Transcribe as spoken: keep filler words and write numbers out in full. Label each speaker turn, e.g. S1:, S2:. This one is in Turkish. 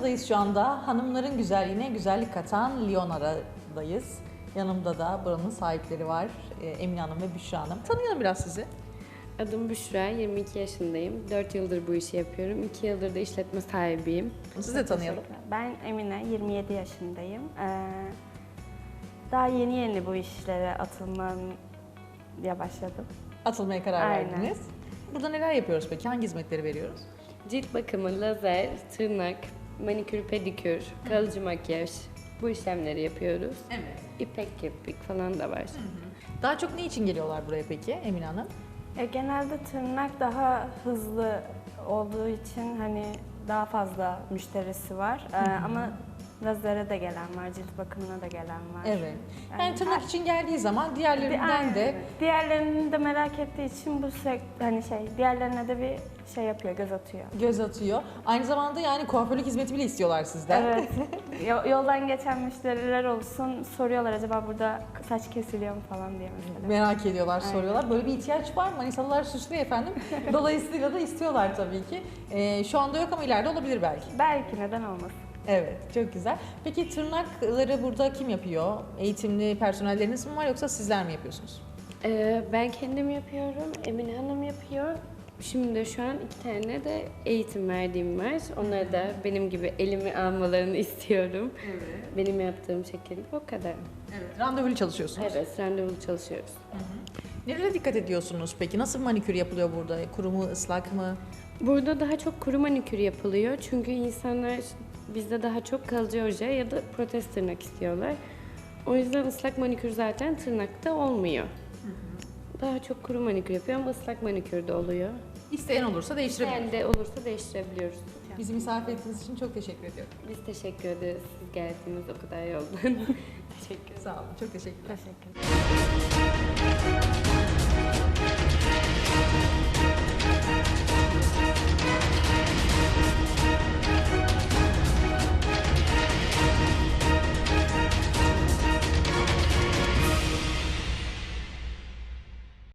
S1: Manisa'dayız şu anda. Hanımların güzelliğine güzellik katan Leonara'dayız. Yanımda da buranın sahipleri var. Ee, Emine Hanım ve Büşra Hanım. Tanıyalım biraz sizi.
S2: Adım Büşra, yirmi iki yaşındayım. dört yıldır bu işi yapıyorum. iki yıldır da işletme sahibiyim.
S1: Sizi de tanıyalım.
S3: Ben Emine, yirmi yedi yaşındayım. Ee, daha yeni yeni bu işlere atılmaya başladım.
S1: Atılmaya karar
S3: Aynen.
S1: verdiniz. Burada neler yapıyoruz peki? Hangi hizmetleri veriyoruz?
S2: Cilt bakımı, lazer, tırnak, manikür, pedikür, kalıcı makyaj bu işlemleri yapıyoruz.
S1: Evet.
S2: İpek kirpik falan da var.
S1: Daha çok ne için geliyorlar buraya peki Emine Hanım?
S3: E, genelde tırnak daha hızlı olduğu için hani daha fazla müşterisi var. Ee, ama lazere de gelen var, cilt bakımına da gelen var.
S1: Evet. Yani,
S3: Yani
S1: tırnak
S3: her-
S1: için geldiği zaman diğerlerinden
S3: Aynen.
S1: de
S3: Diğerlerini de merak ettiği için bu sek hani şey diğerlerine de bir şey yapıyor, göz atıyor.
S1: göz atıyor. Aynı zamanda yani kuaförlük hizmeti bile istiyorlar sizden.
S3: Evet. Yo- Yoldan geçen müşteriler olsun soruyorlar acaba burada saç kesiliyor mu falan diye mesela.
S1: Merak ediyorlar,
S3: Aynen.
S1: soruyorlar. Böyle bir ihtiyaç var mı? Manisalılar suçlu efendim. Dolayısıyla da istiyorlar tabii ki. Ee, şu anda yok ama ileride olabilir belki.
S3: Belki neden olmasın.
S1: Evet, çok güzel. Peki tırnakları burada kim yapıyor? Eğitimli personelleriniz mi var yoksa sizler mi yapıyorsunuz?
S2: Ee, ben kendim yapıyorum, Emine Hanım yapıyor. Şimdi de şu an iki tane de eğitim verdiğim var. Onları da benim gibi elimi almalarını istiyorum.
S1: Evet.
S2: Benim yaptığım şekilde o kadar.
S1: Evet. Randevulu çalışıyorsunuz.
S2: Evet, randevulu çalışıyoruz.
S1: Nelere dikkat ediyorsunuz peki? Nasıl manikür yapılıyor burada? Kuru mu, ıslak mı?
S2: Burada daha çok kuru manikür yapılıyor. Çünkü insanlar bizde daha çok kalıcı oje ya da protez tırnak istiyorlar. O yüzden ıslak manikür zaten tırnakta olmuyor. Daha çok kuru manikür yapıyor ama ıslak manikür de oluyor.
S1: İsteyen olursa değiştirebilir.
S2: Yani de olursa değiştirebiliyoruz.
S1: Bizi misafir ettiğiniz için çok teşekkür ediyorum.
S2: Biz teşekkür ederiz. Siz geldiniz o kadar yoldan. Teşekkür ederim.
S1: Sağ olun, çok teşekkürler.
S3: Teşekkür ederim.